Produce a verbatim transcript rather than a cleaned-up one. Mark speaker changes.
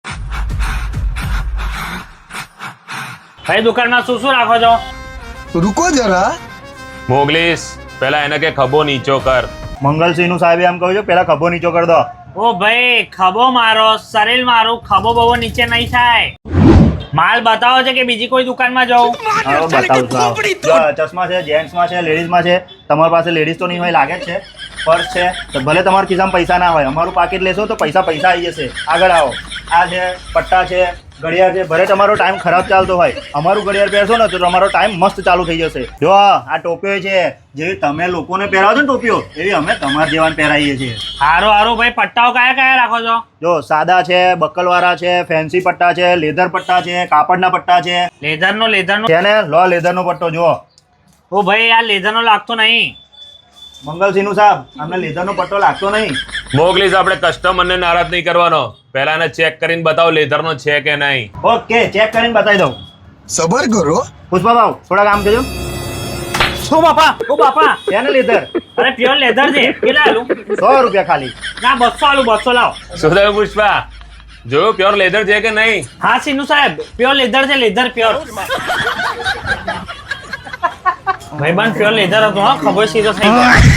Speaker 1: ભાઈ દુકાનમાં શું શું રાખો છો?
Speaker 2: રૂકો જરા.
Speaker 3: મોગલીસ પેલા એને કે ખભો નીચો કર.
Speaker 4: મંગલસિંહ નું સાહેબ એમ કહ્યું છે પેલા ખભો નીચો કર દો.
Speaker 1: ઓ ભાઈ ખભો મારો, શરીર મારું, ખભો બહુ નીચે નહીં થાય. માલ બતાવો છે કે બીજી કોઈ દુકાનમાં જાઉં?
Speaker 4: હા બતાવું છું. આવો. જો ચશ્મા છે, જેન્ટ્સમાં છે, લેડીઝમાં છે. તમારી પાસે લેડીઝ તો નહીં હોય લાગે જ છે. પર્સ છે તો ભલે તમારા ખિસ્સામાં પૈસા ના હોય, અમારું પાકીટ લેશો તો પૈસા પૈસા આવી જશે. આગળ આવો. આ છે પટ્ટા છે, ઘડિયાળ છે. ભલે તમારો ટાઈમ ખરાબ ચાલતો હોય, અમારું ઘડિયાળ પહેરશો ને તો તમારો ટાઈમ મસ્ત ચાલુ થઈ જશે. જો આ ટોપીઓ છે, જેવી તમે લોકોને પહેરાવો છો ને ટોપીઓ, એવી અમે તમારા જેવાને પહેરાવીએ છીએ.
Speaker 1: હારું હારું ભાઈ, પટ્ટાઓ કયા કયા રાખો છો?
Speaker 4: જો સાદા છે, બકલવાળા છે, ફેન્સી પટ્ટા છે, લેધર પટ્ટા છે, કાપડના પટ્ટા છે.
Speaker 1: લેધરનો લેધરનો
Speaker 4: છે ને, લો લેધરનો પટ્ટો જુઓ.
Speaker 1: ઓ ભાઈ આ લેધરનો લાગતો નહીં.
Speaker 4: મંગલસિંહ સાહેબ અમને લેધરનો પટ્ટો લાગતો નહીં.
Speaker 3: મોગલીસ આપણે કસ્ટમરને નારાજ નહીં કરવાનો. પહેલા એને ચેક કરીને બતાવો લેધરનો છે કે નહીં.
Speaker 4: ઓકે, ચેક કરીને બતાવી દઉં.
Speaker 2: સબર કરો.
Speaker 4: પુષ્પા ભાવ થોડા કામ કરજો.
Speaker 1: ઓ બાપા, ઓ બાપા,
Speaker 4: છે ને લેધર?
Speaker 1: અરે પ્યોર લેધર છે. કેટલા આલું?
Speaker 4: સો રૂપિયા ખાલી.
Speaker 1: ના બસો આલું, બસો લાવો.
Speaker 3: શું થયું પુષ્પા? જોયું પ્યોર લેધર છે કે નહીં?
Speaker 1: હા સિનુ સાહેબ, પ્યોર લેધર છે, લેધર પ્યોર. ભાઈબંધ પ્યોર લેધર હતો, હા ખબર સીધો થઈ ગયો.